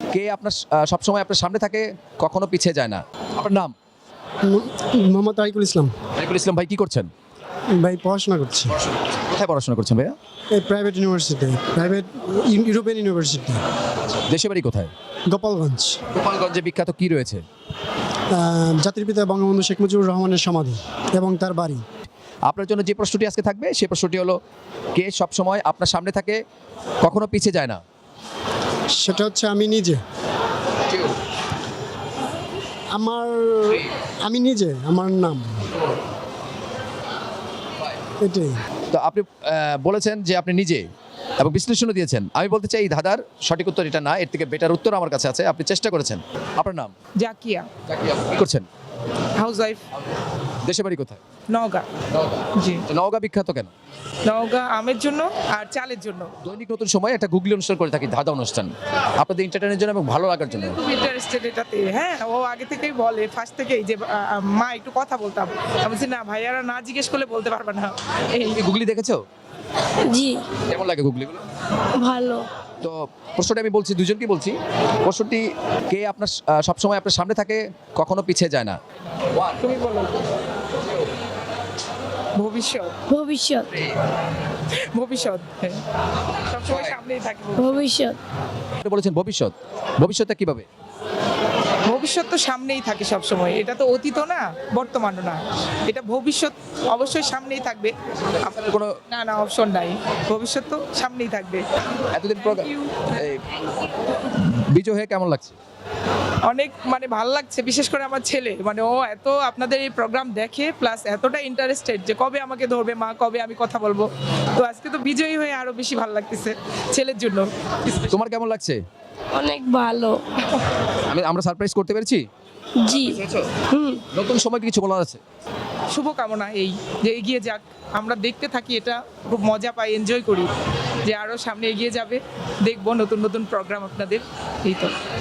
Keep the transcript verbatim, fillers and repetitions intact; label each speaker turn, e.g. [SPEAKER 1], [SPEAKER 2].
[SPEAKER 1] কে আপনার আহ, সবসময় আপনার সামনে থাকে, কখনো পিছিয়ে যায় না? আপনার নাম?
[SPEAKER 2] মোহাম্মদ তারিকুল ইসলাম।
[SPEAKER 1] আরিফুল ইসলাম ভাই, কি করছেন?
[SPEAKER 2] ভাই পড়াশোনা করছি
[SPEAKER 1] কোথায় পড়াশোনা করছেন ভাইয়া?
[SPEAKER 2] এই private university, private European university,
[SPEAKER 1] দেশে বাড়ি কোথায়?
[SPEAKER 2] গোপালগঞ্জ।
[SPEAKER 1] গোপালগঞ্জে বিখ্যাত কি রয়েছে?
[SPEAKER 2] আহ, জাতির পিতা বঙ্গবন্ধু শেখ মুজিবুর রহমানের সমাধি এবং তার বাড়ি।
[SPEAKER 1] আপনার জন্য যে প্রশ্নটি আজকে থাকবে সেই প্রশ্নটি হলো, কে সবসময় আপনার সামনে থাকে, কখনো পিছিয়ে যায় না?
[SPEAKER 2] সেটা হচ্ছে আমি নিজে। আমার আমি নিজে, আমার নাম এটাই।
[SPEAKER 1] তো আপনি আহ, বলেছেন যে আপনি নিজে, এবং বিশ্লেষণও দিয়েছেন। আমি বলতে চাই এই ধাঁধার সঠিক উত্তর এটা না, এর থেকে বেটার উত্তর আমার কাছে আছে। আপনি চেষ্টা করেছেন। আপনার নাম?
[SPEAKER 3] জাকিয়া,
[SPEAKER 1] কি করছেন?
[SPEAKER 3] হাউস ওয়াইফ,
[SPEAKER 1] দেশে বাড়ি কোথায়?
[SPEAKER 3] নওগাঁ। জি,
[SPEAKER 1] তো নওগাঁ বিখ্যাত কেন?
[SPEAKER 3] নওগাঁ আমের জন্য আর চালের জন্য।
[SPEAKER 1] দৈনিক নতুন সময় একটা গুগলি অনুষ্ঠান করে থাকি, ধাঁধা অনুষ্ঠান, আপনাদের এন্টারটেনের জন্য এবং ভালো লাগার জন্য।
[SPEAKER 3] খুব ইন্টারেস্টেড এটাতে। হ্যাঁ, ও আগে থেকেই বলে, ফার্স্ট থেকেই যে আহ, মা একটু কথা বলতাম। আমি বলছি না ভাইয়ারা না জিজ্ঞেস করলে বলতে পারবে না। এই
[SPEAKER 1] তুমি গুগলি দেখেছো?
[SPEAKER 4] জি,
[SPEAKER 1] কেমন লাগে গুগলিগুলো?
[SPEAKER 4] ভালো।
[SPEAKER 1] তো প্রশ্নটি আমি বলছি, দুজনকে বলছি। প্রশ্নটি, কে আপনার আহ, সবসময় আপনার সামনে থাকে, কখনো পিছিয়ে যায় না?
[SPEAKER 3] তুমি বলো। ভবিষ্যৎ,
[SPEAKER 4] ভবিষ্যৎ,
[SPEAKER 3] ভবিষ্যৎ, হ্যাঁ, সবসময় সামনেই থাকে।
[SPEAKER 4] ভবিষ্যৎ,
[SPEAKER 1] আপনি বলেছেন ভবিষ্যৎ। ভবিষ্যৎটা কিভাবে?
[SPEAKER 3] ভবিষ্যৎ তো সামনেই থাকে সব সময়। এটা তো অতীত না, বর্তমানও না। এটা ভবিষ্যৎ অবশ্যই সামনেই থাকবে।
[SPEAKER 1] আপনার কোনো
[SPEAKER 3] না না, অপশন নাই। ভবিষ্যৎ তো সামনেই থাকবে।
[SPEAKER 1] এতদিন প্রোগ্রাম বিজয় হয়ে কেমন লাগছে?
[SPEAKER 3] অনেক মানে ভালো লাগছে, বিশেষ করে আমার ছেলে, মানে ও এত আপনাদের এই প্রোগ্রাম দেখে, প্লাস এতটা ইন্টারেস্টেড যে কবে আমাকে ধরবে মা, কবে আমি কথা বলবো। তো আজকে তো বিজয়ী হয়ে আরো বেশি ভালো লাগতেছে ছেলের জন্য।
[SPEAKER 1] তোমার কেমন লাগছে?
[SPEAKER 4] অনেক ভালো।
[SPEAKER 1] আমি আমরা সারপ্রাইজ করতে পেরেছি।
[SPEAKER 4] জি, হুম।
[SPEAKER 1] নতুন সময় কিছু বলার আছে?
[SPEAKER 3] শুভকামনা এই যে এগিয়ে যাক, আমরা দেখতে থাকি, এটা খুব মজা পাই, এনজয় করি যে আরো সামনে এগিয়ে যাবে, দেখবো নতুন নতুন প্রোগ্রাম আপনাদের। এই তো।